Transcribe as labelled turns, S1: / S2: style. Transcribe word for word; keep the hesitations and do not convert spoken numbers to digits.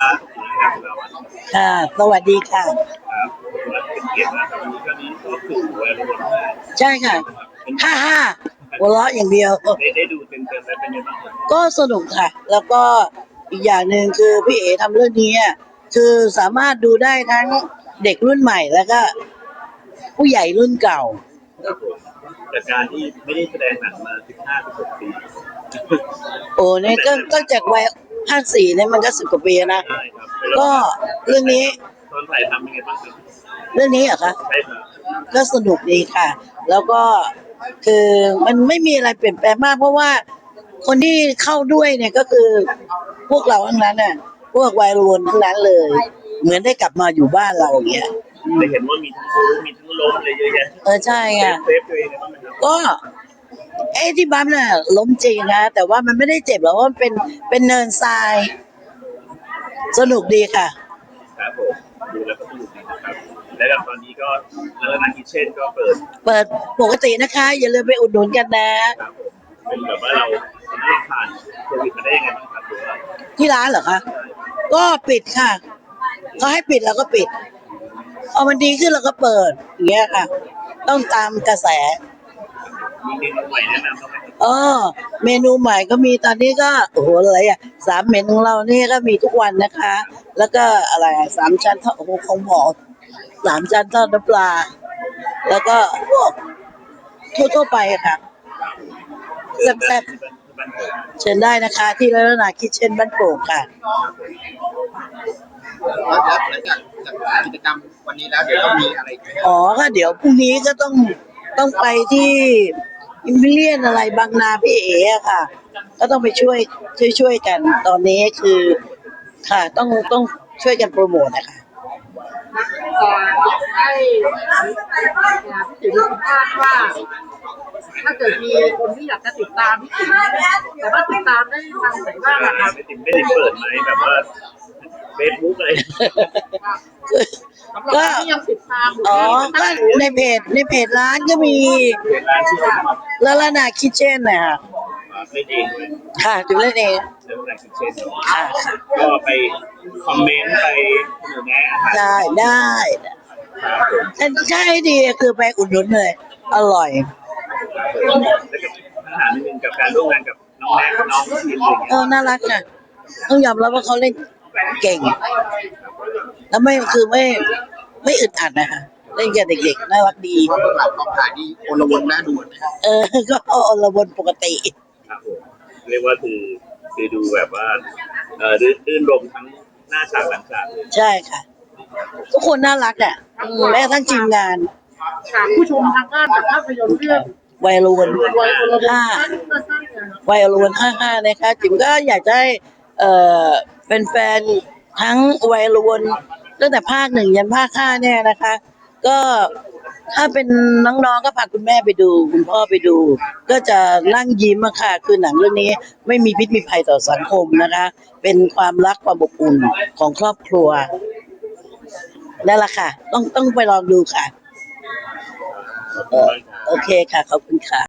S1: ครับงานเราอะ
S2: ค่ะสวัสดีค่ะ
S1: ครับเป็นเกียรตินะครับวันนี้ก็นี้ก็คือหัวเรือ
S2: ใช่ค่ะห้าห้าหัวเราะอย่างเดียว
S1: ได้ได้ดูเต็มเต็มแล้วเป็นยังไงบ้าง
S2: ก็สนุกค่ะ แล้วก็อีกอย่างหนึ่งคือพี่เอ๋ทำเรื่องนี้อะคือสามารถดูได้ทั้งเด็กรุ่นใหม่แล้วก็ผู้ใหญ่รุ่นเก่า
S1: ครับผมจากการที่ไม่ได้แสดงหนังมาสิบห้าสิบหกปี
S2: โอ้เนี่ยก็ก็จากวัยห้าสี่เนี่ยมันก็สิบกว่าปีนะ
S1: ใช่ครับ
S2: ก็เรื่องนี้
S1: ตอนถ่ายทำเป็นไงบ้างครับ
S2: เรื่องนี้เหรอคะ
S1: ใช่ครับ
S2: ก็สนุกดีค่ะ แล้วก็คือมันไม่มีอะไรเปลี่ยนแปลงมากเพราะว่าคนที่เข้าด้วยเนี่ยก็คือพวกเราทั้งนั้นน่ะพวกวัยรุ่นทั้งนั้นเลย เหมือนได้กลับมาอยู่บ้านเราอย่างเงี้ย
S1: ได้เห็นว่ามีทั้งบู๊มีทั้งล้มอะไรเยอะแยะ
S2: เออใช่
S1: เซ
S2: ค่ะ
S1: ฟเซฟตัวเองนะบ้างไหมครับ
S2: ก็เอ้ที่บัมน่ะล้มจริงนะแต่ว่ามันไม่ได้เจ็บหรอกเพราะมันเป็นเป็นเนินทรายสนุกดีค่ะ
S1: ครับผมดูแล้วก็สนุกดีนะครับและตอนนี้ก็แล้วนักกิเช่นก็เปิด
S2: เปิดปกตินะคะอย่าลืมไปอุดหนุนกันนะครับ
S1: ผมเป็นแบบว่าเราเราผ่านโควิดมาได้ยังไงบ้างครับหรือว่า
S2: ที่ร้านเหรอคะก็ปิดค่ะเขาให้ปิดเราก็ปิดพอมันดีขึ้นเราก็เปิดอย่างเงี้ยค่ะต้องตามกระแส
S1: มีเมนูใหม่แนะนำบ้างไหมครับ
S2: เออเมนูใหม่ก็มีตอนนี้ก็โอ้โหอะไรอ่ะสามเมนูของเรานี่ก็มีทุกวันนะคะ แล้วก็อะไรอ่ะสามชั้นทอดโอ้โหของหมอสามชั้นทอดน้ำปลาแล้วก็พวกทั่วๆไปอะค่ะแซ่บๆเชิญได้นะคะที่ร้านนาคิทเช่นบ้านโป่งค่ะ
S3: แล้วหลังจากจากกิจกรรมวันนี้แล้วเดี๋ยวต้องมีอะไรอีกไหมครับ
S2: อ๋อก็เดี๋ยวพรุ่งนี้ก็ต้องต้องไปที่อิมพิเรียนอะไรบางนาพี่เอ๋อะค่ะ ก็ต้องไปช่วยช่วยช่วยกันตอนนี้คือค่ะต้องต้องช่วยกันโปรโมทนะคะ
S4: อยากให้พี่ติ๋มสัมภาษณ์ว่าถ้าเกิดมีคนที่อยากจะติดตามพี่ติ๋มแต่ว่าติดตามได้ทางไหนบ้างอะครับ
S1: ไม่ติดไม่ได้เปิดไหมแบบว่าเฟซบุ๊กอะไร
S4: สำหรับคนที่ยังติดตามอยู่
S2: อ๋อก็ในเพจในเพจร้านก็มี
S1: ร้านชื่อว่า
S2: ลาลานาคิทเช่นนะคะ
S1: เล่นเองเลย
S2: ค่ะถึงเล่นเอง
S1: เรื่องร้านคิทเช่น
S2: ค่ะ
S1: ก็ไปคอมเมนต์ไปหนูแนะ
S2: ได้ได้แต่ใช่ดีคือไปอุดหนุนเลยอร่อย
S1: แล้วก็ปัญหาหนึ่งกับการร่วมงานกับน้องแม็กน้องทีมอะไรเงี้
S2: เออน่ารักค่ะต้องยอมรับว่าเขาเล่นเก่งแล้วไม่คือไม่ไม่อึดอัดนะคะเล่นกับเด็กๆน่ารักดี
S3: เพราะพวกเรากองถ่ายนี่โอลวนน่าดูนะครับ
S2: เออก็อลวนปกติ
S1: ครับผมเรียกว่าคือคือดูแบบว่าเออรื่นรมทั้งหน้าฉากหลังฉากเลย
S2: ใช่ค่ะทุกคนน่ารักอ่ะแม้กระทั่งทีมงาน
S4: ถามผู้ชมทางบ้านจากภาพยนตร์เรื่อง
S2: วัยรุ่น
S4: วัยรุ่น
S2: ห้าวัยรุ่นห้าห้านะคะจิ๋มก็อยากจะให้เอ่อเป็นแฟนทั้งวัยรุ่นตั้งแต่ภาคหนึ่งยันภาคห้าเนี่ยนะคะ ก็ถ้าเป็นน้องๆก็พาคุณแม่ไปดูคุณพ่อไปดู ก็จะนั่งยิ้มอะค่ะคือหนังเรื่องนี้ไม่มีพิษมีภัยต่อสังคมนะคะ เป็นความรักความอบอุ่นของครอบครัวนั่นแหละค่ะต้องต้องไปลองดูค่ะเออโอเคค่ะขอบคุณค่ะ